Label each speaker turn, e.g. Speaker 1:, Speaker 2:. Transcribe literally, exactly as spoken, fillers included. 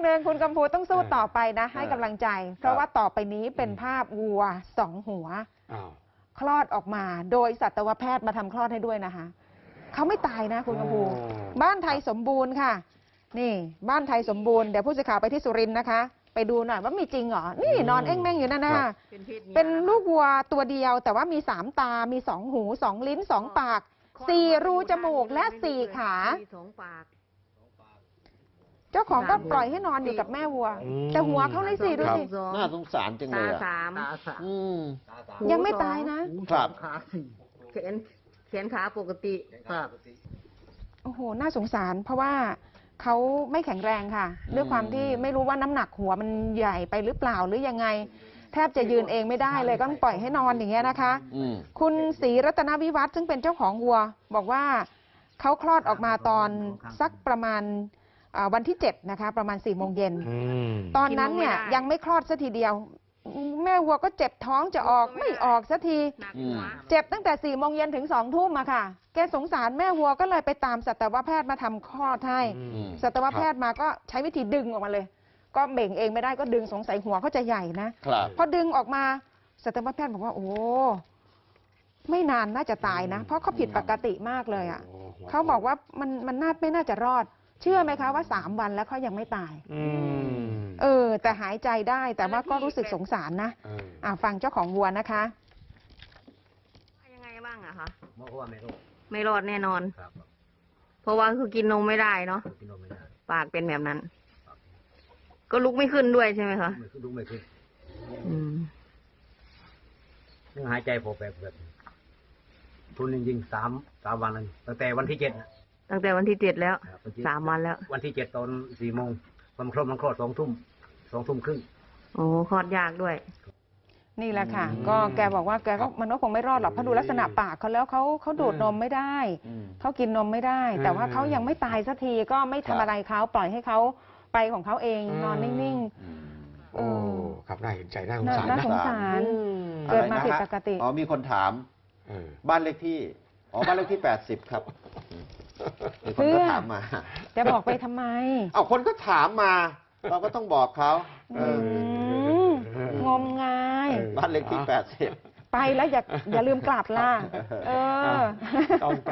Speaker 1: หนึ่งคุณกำพูต้องสู้ต่อไปนะให้กำลังใจ เพราะว่าต่อไปนี้เป็นภาพวัวสองหัวคลอดออกมาโดยสัตวแพทย์มาทำคลอดให้ด้วยนะคะเขาไม่ตายนะคุณกำพูบ้านไทยสมบูรณ์ค่ะนี่บ้านไทยสมบูรณ์เดี๋ยวผู้สื่อข่าวไปที่สุรินทร์นะคะไปดูหน่อยว่ามีจริงเหรอนี่นอนเอ้งแม่งอยู่นั่นนะคะเป็นลูกวัวตัวเดียวแต่ว่ามีสามตามีสองหูสองลิ้นสองปากสี่รูจมูกและสี่ขาเจ้าของก็ปล่อยให้นอนอยู่กับแม่วัวแต่หัวเขาเลยสิดูสิ
Speaker 2: น่าสงสารจังเลยอ่ะ
Speaker 1: ยังไม่ตายนะครับ
Speaker 3: แขนแขนขาปกติครับ
Speaker 1: โอ้โหน่าสงสารเพราะว่าเขาไม่แข็งแรงค่ะด้วยความที่ไม่รู้ว่าน้ำหนักหัวมันใหญ่ไปหรือเปล่าหรือยังไงแทบจะยืนเองไม่ได้เลยก็ต้องปล่อยให้นอนอย่างเงี้ยนะคะคุณศรีรัตนวิวัฒน์ซึ่งเป็นเจ้าของวัวบอกว่าเขาคลอดออกมาตอนสักประมาณวันที่เจ็ดนะคะประมาณสี่โมงเย็นตอนนั้นเนี่ยยังไม่คลอดสักทีเดียวแม่วัวก็เจ็บท้องจะออกไม่ออกสักทีเจ็บตั้งแต่สี่โมงเย็นถึงสองทุ่มอะค่ะแกสงสารแม่วัวก็เลยไปตามสัตวแพทย์มาทำคลอดให้สัตวแพทย์มาก็ใช้วิธีดึงออกมาเลยก็เบ่งเองไม่ได้ก็ดึงสงสัยหัวเขาจะใหญ่นะพอดึงออกมาสัตวแพทย์บอกว่าโอ้ไม่นานน่าจะตายนะเพราะเขาผิดปกติมากเลยอะเขาบอกว่ามันมันน่าไม่น่าจะรอดเชื่อไหมคะว่าสามวันแล้วเขายังไม่ตายเออแต่หายใจได้แต่ว่าก็รู้สึกสงสารนะอ่าฟังเจ้าของวัวนะคะ
Speaker 3: ยังไงบ้างอะคะไม่รอดไม่รอดแน่นอนเพราะว่าคือกินนมไม่ได้เนาะปากเป็นแบบนั้นก็ลุกไม่ขึ้นด้วยใช่ไหมคะ
Speaker 4: ลุกไม่ขึ้น
Speaker 3: อืม
Speaker 4: หายใจพอแบบแบบทุนจริงๆสามสามวันเลยตั้งแต่วันที่เจ็ด
Speaker 3: ตั้งแต่วันที่เจ็ดแล้วสามวันแล้ว
Speaker 4: วันที่เจ็ดตอนสี่โมงมันครบมันคลอดสองทุ่มสองทุ่มครึ่ง
Speaker 3: โอ้คลอดยากด้วย
Speaker 1: นี่แหละค่ะก็แกบอกว่าแกก็มันก็คงไม่รอดหรอกเพราะดูลักษณะปากเขาแล้วเขาเขาดูดนมไม่ได้เขากินนมไม่ได้แต่ว่าเขายังไม่ตายสักทีก็ไม่ทำอะไรเขาปล่อยให้เขาไปของเขาเองนอนนิ่ง
Speaker 2: ๆโอ้ครับน่าเห็นใจน่าสงสาร
Speaker 1: น่าสงสารเกิดมาผิดปกติ
Speaker 2: อ๋อมีคนถามบ้านเลขที่อ๋อบ้านเลขที่แปดสิบครับมีคนก็ถามมา
Speaker 1: จะบอกไปทำไม
Speaker 2: เอาคนก็ถามมาเราก็ต้องบอกเขา
Speaker 1: งมงาย
Speaker 2: บ้านเลขที่แปดสิบ
Speaker 1: ไปแล้วอย่าอย่าลืมกลับล่ะเออ